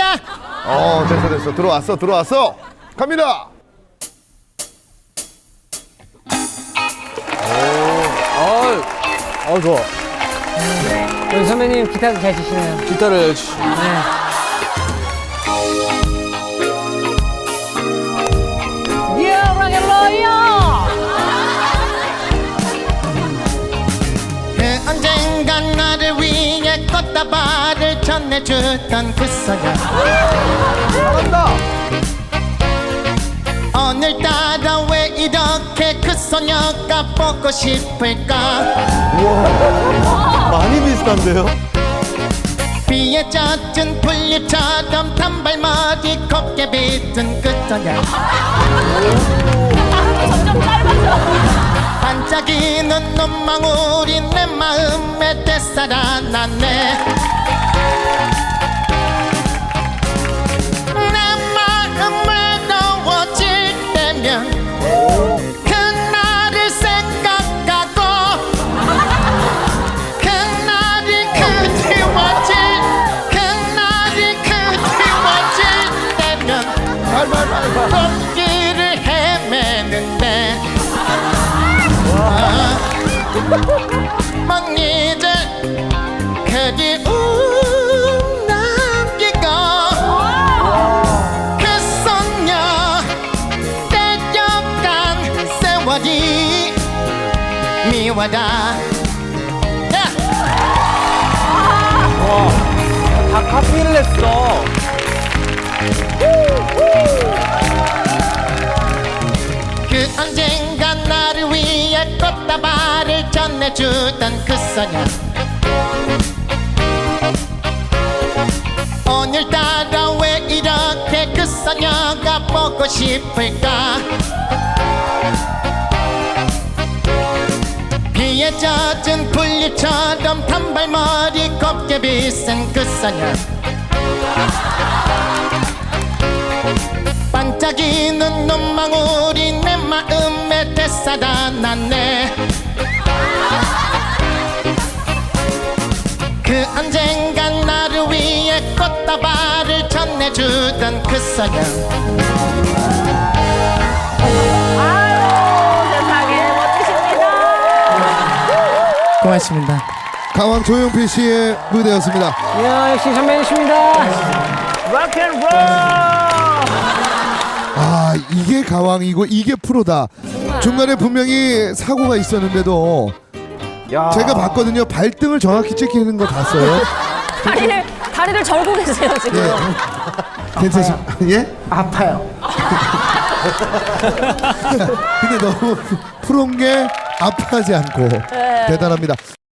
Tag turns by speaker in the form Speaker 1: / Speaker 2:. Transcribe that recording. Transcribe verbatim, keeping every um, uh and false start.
Speaker 1: 자.
Speaker 2: 어, 됐어, 됐어. 들어왔어, 들어왔어. 갑니다.
Speaker 3: 어, 어 좋아.
Speaker 4: 여기 선배님 기타도 잘 치시네요.
Speaker 3: 기타를 치-
Speaker 4: 네.
Speaker 1: 그 언젠간 나를 위해 꽃다발을 전해주던 그 소녀.
Speaker 2: 잘한다.
Speaker 1: 오늘따라 왜 이렇게 그 소녀가 보고 싶을까?
Speaker 2: 많이 비슷한데요?
Speaker 1: 비에 젖은 풀잎처럼 단발머리 곱게 빗은 그 소녀.
Speaker 5: 점점 짧아져.
Speaker 1: 반짝이는 눈망울이 내 마음에 되살아났네. 내 마음 외로워질 때면 그날을 생각하고 그날이 그리워질 그날이 그리워질 때면 꽃길을 헤매는데 막이제 그리움 남기고 그 소녀 떼려간 세월이 미워라. 야!
Speaker 3: 다 카피를 했어.
Speaker 1: 그 언젠가 나를 위해 꽃다발을 전해주던 그 소녀. 오늘따라 왜 이렇게 그 소녀가 보고 싶을까? 비에 젖은 풀잎처럼 단발머리 곱게 빗은 그 소녀. 반짝이는 눈망울이 내 마음에 되살아났네. 그 언젠간 나를 위해 꽃다발을 전해주던 그 소녀.
Speaker 5: 아유, 세상에 멋지십니다.
Speaker 1: 고맙습니다.
Speaker 2: 강황 조용필 씨의 무대였습니다.
Speaker 4: 이야, 역시 선배님이십니다.
Speaker 5: 락앤롤.
Speaker 2: 아, 이게 가왕이고 이게 프로다. 중간에 분명히 사고가 있었는데도
Speaker 3: 야.
Speaker 2: 제가 봤거든요. 발등을 정확히 찍히는 거 봤어요.
Speaker 5: 다리를 다리를 절고 계세요 지금.
Speaker 2: 예. 괜찮습니다. 예?
Speaker 1: 아파요.
Speaker 2: 근데 너무 프로인 게 아파하지 않고 대단합니다.